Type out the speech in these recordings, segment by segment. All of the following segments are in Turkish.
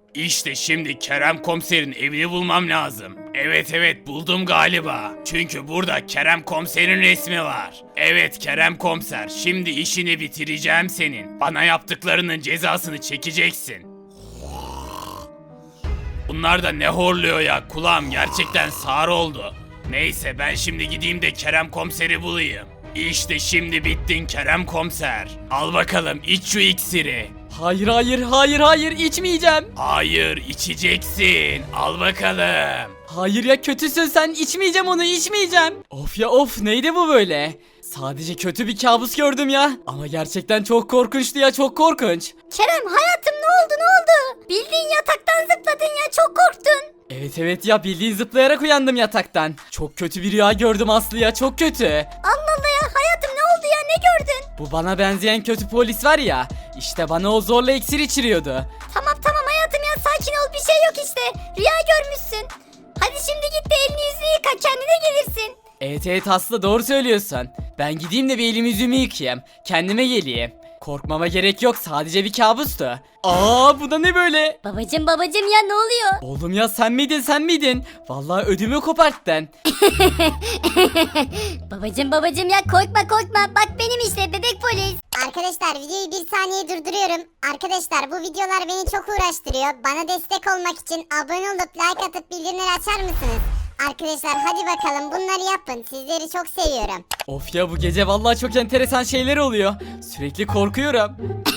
İşte şimdi Kerem komiserin evini bulmam lazım. Evet buldum galiba. Çünkü burada Kerem komiserin resmi var. Evet Kerem komiser, şimdi işini bitireceğim senin. Bana yaptıklarının cezasını çekeceksin. Bunlar da ne horluyor ya, kulağım gerçekten sağır oldu. Neyse ben şimdi gideyim de Kerem komiseri bulayım. İşte şimdi bittin Kerem komiser. Al bakalım iç şu iksiri. Hayır içmeyeceğim. Hayır içeceksin. Al bakalım. Hayır ya kötüsün sen, içmeyeceğim onu, içmeyeceğim. Of ya of, neydi bu böyle? Sadece kötü bir kabus gördüm ya. Ama gerçekten çok korkunçtu ya, çok korkunç. Kerem hayatım ne oldu? Bildiğin yataktan zıpladın ya, çok korktun. Evet ya, bildiğin zıplayarak uyandım yataktan. Çok kötü bir rüya gördüm Aslı ya, çok kötü. Allah Allah ya hayatım ne oldu ya, ne gördün? Bu bana benzeyen kötü polis var ya, işte bana o zorla iksir içiriyordu. Tamam hayatım ya, sakin ol, bir şey yok işte. Rüya görmüşsün. Hadi şimdi git de elini yüzünü yıka, kendine gelirsin. Evet Aslı, doğru söylüyorsun. Ben gideyim de bir elimi yüzümü yıkayayım. Kendime geleyim. Korkmama gerek yok, sadece bir kabustu. Bu da ne böyle? Babacım ya ne oluyor? Oğlum ya sen miydin? Vallahi ödümü koparttın. Babacım ya korkma. Bak benim işte bebek polis. Arkadaşlar videoyu bir saniye durduruyorum. Arkadaşlar bu videolar beni çok uğraştırıyor. Bana destek olmak için abone olup like atıp bildirimleri açar mısınız? Arkadaşlar hadi bakalım bunları yapın. Sizleri çok seviyorum. Of ya, bu gece vallahi çok enteresan şeyler oluyor. Sürekli korkuyorum.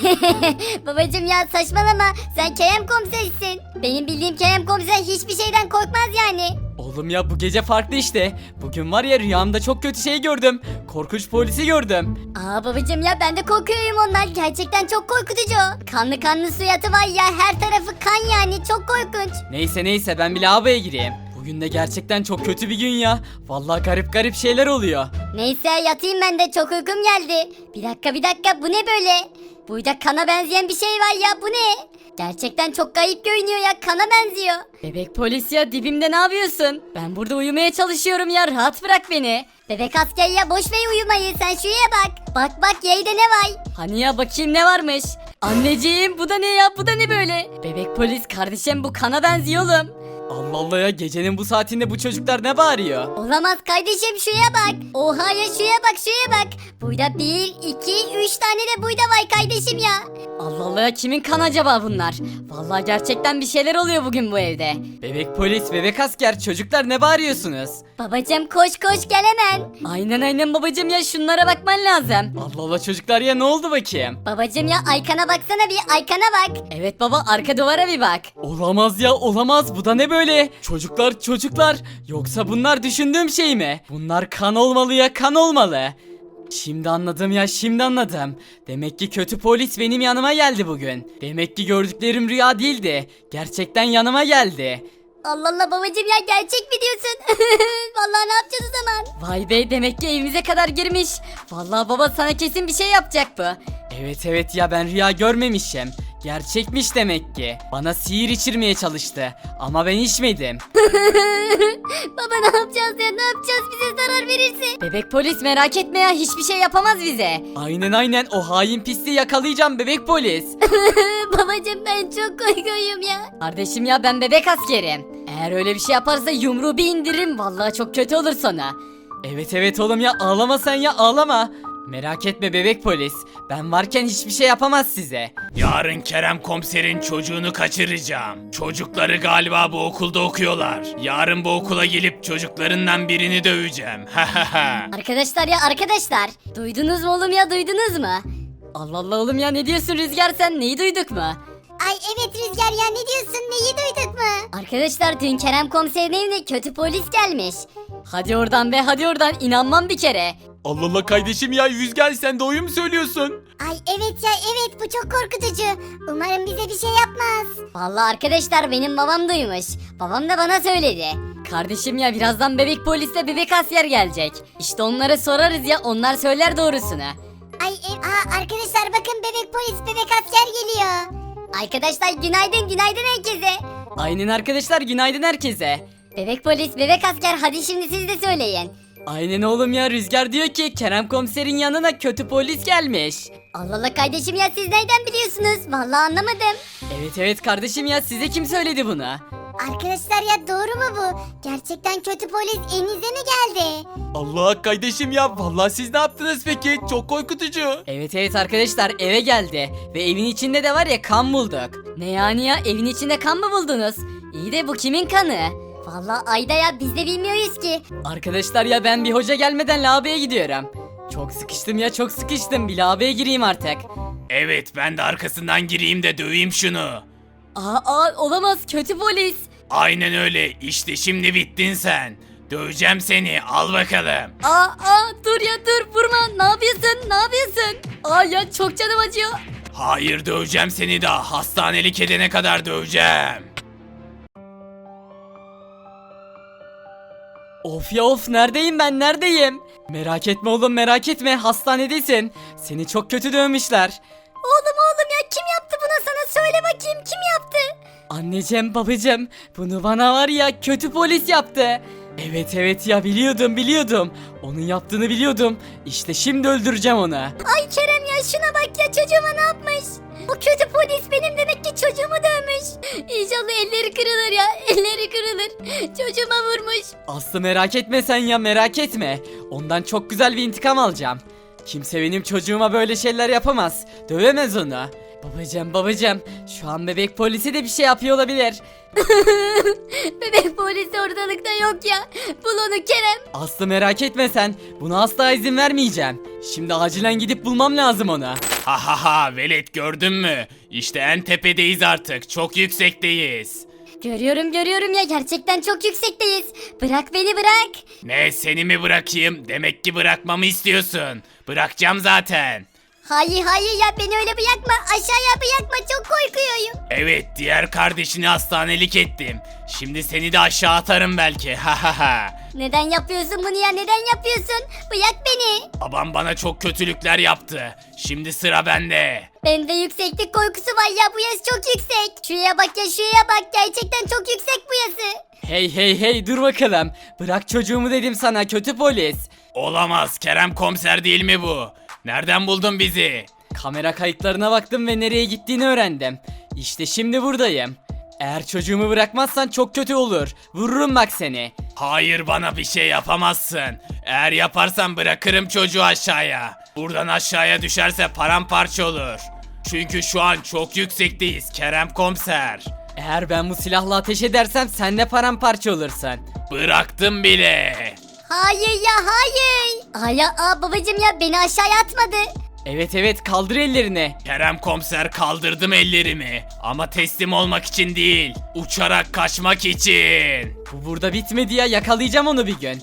Babacım ya saçmalama. Sen Kerem komisersin. Benim bildiğim Kerem komiser hiçbir şeyden korkmaz yani. Oğlum ya, bu gece farklı işte. Bugün var ya, rüyamda çok kötü şey gördüm. Korkunç polisi gördüm. Babacım ya ben de korkuyorum ondan. Gerçekten çok korkutucu. Kanlı suratı var ya, her tarafı kan yani, çok korkunç. Neyse ben bir lavaboya gireyim. Bugün de gerçekten çok kötü bir gün ya. Vallahi garip şeyler oluyor. Neyse yatayım ben de, çok uykum geldi. Bir dakika bu ne böyle? Burada kana benzeyen bir şey var ya, bu ne? Gerçekten çok garip görünüyor ya, kana benziyor. Bebek polis ya, dibimde ne yapıyorsun? Ben burada uyumaya çalışıyorum ya, rahat bırak beni. Bebek asker ya, boş ver uyumayı, sen şuraya bak. Bak yerde ne var? Hani ya, bakayım ne varmış? Anneciğim, bu da ne ya, bu da ne böyle? Bebek polis kardeşim, bu kana benziyor oğlum. Allah Allah ya, gecenin bu saatinde bu çocuklar ne bağırıyor? Olamaz kardeşim, şuraya bak. Oha ya, şuraya bak. Burada 1, 2, 3 tane de burada var kardeşim ya. Allah Allah ya, kimin kan acaba bunlar? Vallahi gerçekten bir şeyler oluyor bugün bu evde. Bebek polis, bebek asker, çocuklar ne bağırıyorsunuz? Babacım koş gel hemen. Aynen babacım ya, şunlara bakman lazım. Allah Allah çocuklar ya, ne oldu bakayım? Babacım ya arkana baksana, bir arkana bak. Evet baba, arka duvara bir bak. Olamaz ya, olamaz, bu da ne böyle? Çocuklar, yoksa bunlar düşündüğüm şey mi? Bunlar kan olmalı ya, kan olmalı. Şimdi anladım. Demek ki kötü polis benim yanıma geldi bugün. Demek ki gördüklerim rüya değildi. Gerçekten yanıma geldi. Allah Allah babacım ya, gerçek mi diyorsun? Vallahi ne yapacağız o zaman? Vay be, demek ki evimize kadar girmiş. Vallahi baba, sana kesin bir şey yapacak bu. Evet ya, ben rüya görmemişim. Gerçekmiş demek ki. Bana sihir içirmeye çalıştı. Ama ben içmedim. Baba ne yapacağız ya, ne yapacağız, bize zarar verirse? Bebek polis, merak etme ya, hiçbir şey yapamaz bize. Aynen, o hain pisliği yakalayacağım bebek polis. Babacım ben çok korkuyorum ya. Kardeşim ya, ben bebek askerim. Eğer öyle bir şey yaparsa yumruğu bir indiririm. Vallahi çok kötü olur sana. Evet oğlum ya, ağlama sen ya, ağlama. Merak etme bebek polis. Ben varken hiçbir şey yapamaz size. Yarın Kerem komiserin çocuğunu kaçıracağım. Çocukları galiba bu okulda okuyorlar. Yarın bu okula gelip çocuklarından birini döveceğim. Arkadaşlar duydunuz mu oğlum ya, duydunuz mu? Allah Allah oğlum ya, ne diyorsun Rüzgar, sen neyi duyduk mu? Ay evet Rüzgar ya, ne diyorsun, neyi duyduk mu? Arkadaşlar dün Kerem komiserin evine kötü polis gelmiş. Hadi oradan be, hadi oradan, inanmam bir kere. Allah Allah kardeşim ya, Rüzgar sen doğru mu söylüyorsun? Ay evet ya, evet bu çok korkutucu. Umarım bize bir şey yapmaz. Vallahi arkadaşlar benim babam duymuş. Babam da bana söyledi. Kardeşim ya, birazdan bebek polisle bebek asker gelecek. İşte onlara sorarız ya, onlar söyler doğrusunu. Ay arkadaşlar bakın, bebek polis, bebek asker geliyor. Arkadaşlar günaydın herkese. Aynen arkadaşlar, günaydın herkese. Bebek polis, bebek asker, hadi şimdi siz de söyleyin. Aynen oğlum ya, Rüzgar diyor ki Kerem komiserin yanına kötü polis gelmiş. Allah Allah kardeşim ya siz nereden biliyorsunuz? Vallahi anlamadım. Evet kardeşim ya, size kim söyledi bunu? Arkadaşlar ya doğru mu bu? Gerçekten kötü polis evinize mi geldi? Allah kardeşim ya, vallahi siz ne yaptınız peki? Çok korkutucu. Evet arkadaşlar, eve geldi ve evin içinde de var ya kan bulduk. Ne yani ya, evin içinde kan mı buldunuz? İyi de bu kimin kanı? Vallahi Ayda ya biz de bilmiyoruz ki. Arkadaşlar ya, ben bir hoca gelmeden lavaboya gidiyorum. Çok sıkıştım ya, çok sıkıştım, bir lavaboya gireyim artık. Evet, ben de arkasından gireyim de döveyim şunu. Aa olamaz, kötü polis. Aynen öyle, işte şimdi bittin sen. Döveceğim seni, al bakalım. Dur ya dur, vurma, ne yapıyorsun, ne yapıyorsun? Ya çok canım acıyor. Hayır, döveceğim seni daha, hastanelik edene kadar döveceğim. Of ya of, neredeyim ben, neredeyim? Merak etme oğlum, merak etme, hastanedesin. Seni çok kötü dövmüşler. Oğlum ya kim yaptı buna sana söyle bakayım kim yaptı? Anneciğim babacığım, bunu bana var ya kötü polis yaptı. Evet ya, biliyordum. Onun yaptığını biliyordum. İşte şimdi öldüreceğim onu. Ay Kerem ya şuna bak ya çocuğuma ne yapmış? Bu kötü polis benim demek ki çocuğumu dövmüş. İnşallah elleri kırılır ya, elleri kırılır. Çocuğuma vurmuş. Aslı merak etme sen ya, merak etme. Ondan çok güzel bir intikam alacağım. Kimse benim çocuğuma böyle şeyler yapamaz. Dövemez onu. Babacığım, şu an bebek polisi de bir şey yapıyor olabilir. Bebek polisi ortalıkta yok ya. Bul onu Kerem. Aslı merak etme sen. Buna asla izin vermeyeceğim. Şimdi acilen gidip bulmam lazım onu. Ha velet, gördün mü? İşte en tepedeyiz artık, çok yüksekteyiz. Görüyorum ya gerçekten çok yüksekteyiz. Bırak beni bırak. Ne, seni mi bırakayım? Demek ki bırakmamı istiyorsun. Bırakacağım zaten. Hayır ya beni öyle bırakma aşağıya bırakma çok korkuyorum. Evet, diğer kardeşini hastanelik ettim. Şimdi seni de aşağı atarım belki. Ha. Neden yapıyorsun bunu ya neden yapıyorsun? Bırak beni. Babam bana çok kötülükler yaptı. Şimdi sıra bende. Bende yükseklik korkusu var ya bu yaz çok yüksek. Şuraya bak ya şuraya bak gerçekten çok yüksek bu yazı. Hey dur bakalım. Bırak çocuğumu dedim sana, kötü polis. Olamaz, Kerem komiser değil mi bu? Nereden buldun bizi? Kamera kayıtlarına baktım ve nereye gittiğini öğrendim. İşte şimdi buradayım. Eğer çocuğumu bırakmazsan çok kötü olur. Vururum bak seni. Hayır, bana bir şey yapamazsın. Eğer yaparsan bırakırım çocuğu aşağıya. Buradan aşağıya düşerse paramparça olur. Çünkü şu an çok yüksekteyiz Kerem komiser. Eğer ben bu silahla ateş edersem sen de paramparça olursun. Bıraktım bile. Hayır ya hayır. Babacım ya beni aşağıya atmadı. Evet kaldır ellerini. Kerem komiser, kaldırdım ellerimi. Ama teslim olmak için değil, uçarak kaçmak için. Bu burada bitmedi ya, yakalayacağım onu bir gün.